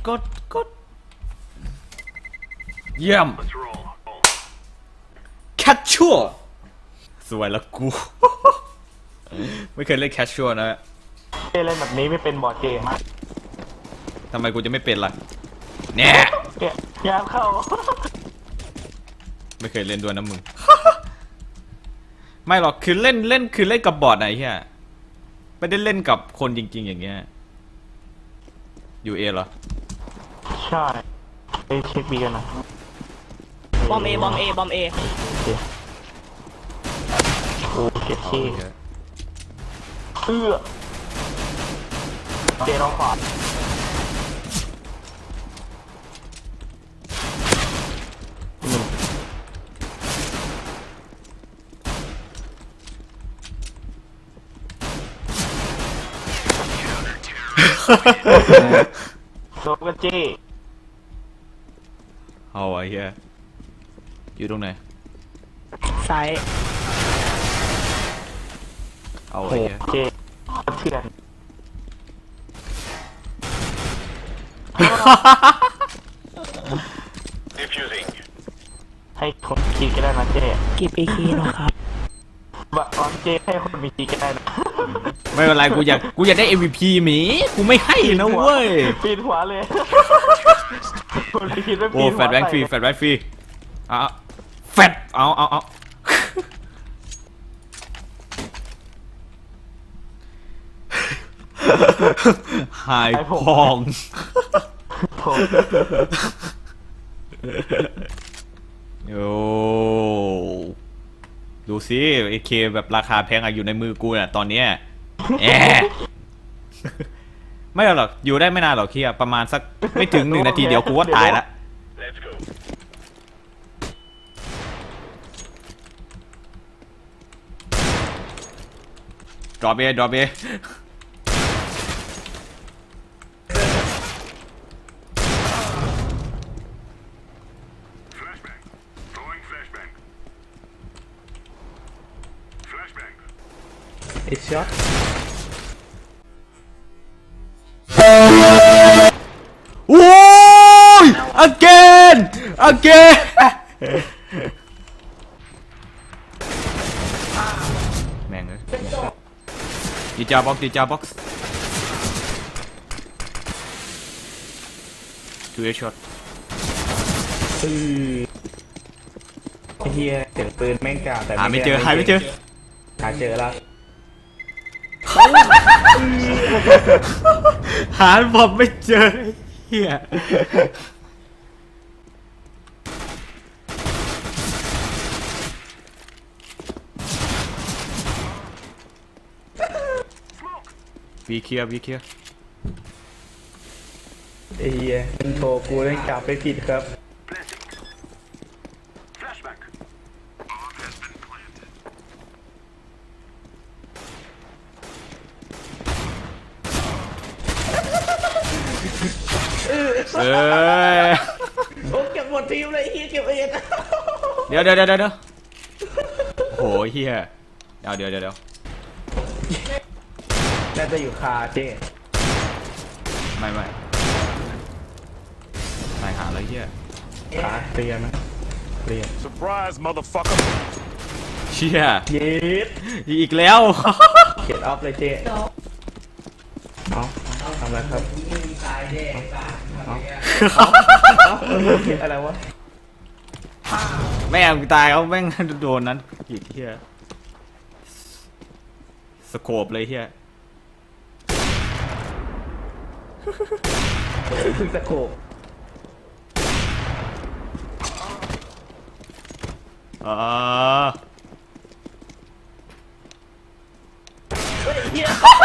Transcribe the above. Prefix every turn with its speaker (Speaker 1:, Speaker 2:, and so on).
Speaker 1: กดเยี่ยมแคชชัวสวยแล้วกู ไม่เคยเล่นแคชชัวนะ
Speaker 2: เล่นแบบนี้ไม่เป็นบอร์ดเกมอะ
Speaker 1: ทำไมกูจะไม่เป็นล่ะเนี่ย
Speaker 2: ยามเข้า
Speaker 1: ไม่เคยเล่นด้วยนะมึง ไม่หรอกคือเล่นคือเล่นกับบอร์ดไหนเฮียไม่ได้เล่นกับคนจริงๆอย่างเงี้ยอยู่เอเหรอ
Speaker 2: ใช่ไปเช็คบีกันนะ
Speaker 3: บอมเอบอมเอบอมเอ
Speaker 2: โอ้เจ็บที่เจร้องขวาโดนกันจี้
Speaker 1: เอาไอ้เหี้ยอยู่ตรงไหน
Speaker 3: ซ้าย
Speaker 1: เอาไอ้เหี้ย
Speaker 2: เจ๊เถื่อนให้คนคิดก็ได้นะเจ๊
Speaker 3: กิบเอคีหรอครับ
Speaker 2: แบบออนเจ๊ให้คนมีคิดก็ได้นะ
Speaker 1: ไม่เป็นไรกูอยากได้ MVP หมีกูไม่ให้นะเว้ย
Speaker 2: ปีนหัวเลยคนคิดว่าปีนหัว
Speaker 1: โอ้แฟดแบงค์ฟรีแฟดแบงค์ฟรีแฟดเอาหายพองโอ้ดูสิไอเคแบบราคาแพงอยู่ในมือกูน่ะตอนเนี้ยไม่หรอกอยู่ได้ไม่นานหรอกเคียประมาณสักไม่ถึง1 นาทีเดี๋ยวกูว่าตายละดรอปเอ
Speaker 2: ไอ้ช็อต
Speaker 1: โอ้ย again แม่งเลยดีจ้าบ็อก2 ช็อต
Speaker 2: เฮียเสียงปืนแม่งกาแต่
Speaker 1: หาไม่เจอหาเจอ
Speaker 2: แล้ว
Speaker 1: หาบอมไม่เจอเฮียวีเคลียร์
Speaker 2: เฮียโทรกูเล่นกลับไปผิดครับ
Speaker 1: โอ้
Speaker 3: เก็บหมดทีมเลยเฮียเก็บเอง
Speaker 1: เดี๋ยวโหเฮียเดี๋ยว
Speaker 2: น่าจะอยู่คาเจ๊
Speaker 1: ไม่ตายหาอะไรเฮีย
Speaker 2: ขาเรียนนะเรียน
Speaker 4: Surprise motherfucker
Speaker 1: เชี่ย
Speaker 2: เย็ด
Speaker 1: อีกแล้ว
Speaker 2: เก็บออฟเลยเจ๊เอาทำอะไรครับอะไรวะ
Speaker 1: แม่งตายเขาแม่งโดนนั้นอีกเฮียสโคปเลยเฮีย
Speaker 2: คือสโคป
Speaker 1: อ๋อ